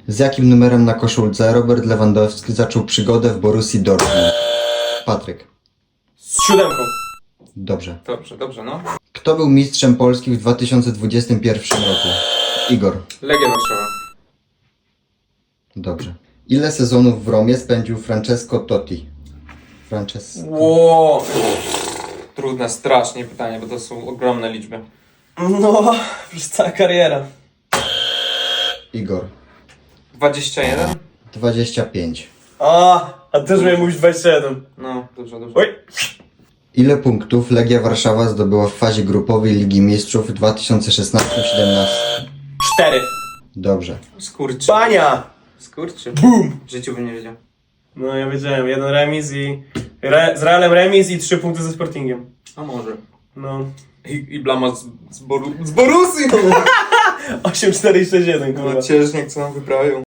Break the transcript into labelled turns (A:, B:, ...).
A: Z jakim numerem na koszulce Robert Lewandowski zaczął przygodę w Borussii Dortmund? Patryk.
B: Z 7.
A: Dobrze.
C: Dobrze, no.
A: Kto był mistrzem Polski w 2021 roku? Igor.
C: Legia Warszawa.
A: Dobrze. Ile sezonów w Romie spędził Francesco Totti?
C: Ło. Trudne, strasznie pytanie, bo to są ogromne liczby.
B: No, przez cała kariera.
A: Igor.
C: 21?
A: 25.
B: A też miałem mówić 27.
C: No, dobrze.
B: Oj!
A: Ile punktów Legia Warszawa zdobyła w fazie grupowej Ligi Mistrzów w 2016-17?
B: 4.
A: Dobrze.
C: Skurczy.
B: Bania!
C: Skurczy.
B: Bum!
C: W życiu bym nie wiedział.
B: No ja wiedziałem, jeden remis i... z Realem remis i 3 punkty ze Sportingiem.
C: A może.
B: No.
C: I blama z Borussii.
B: 8-4 i 6-1, kurwa.
C: No ciężnie, co nam wyprawią.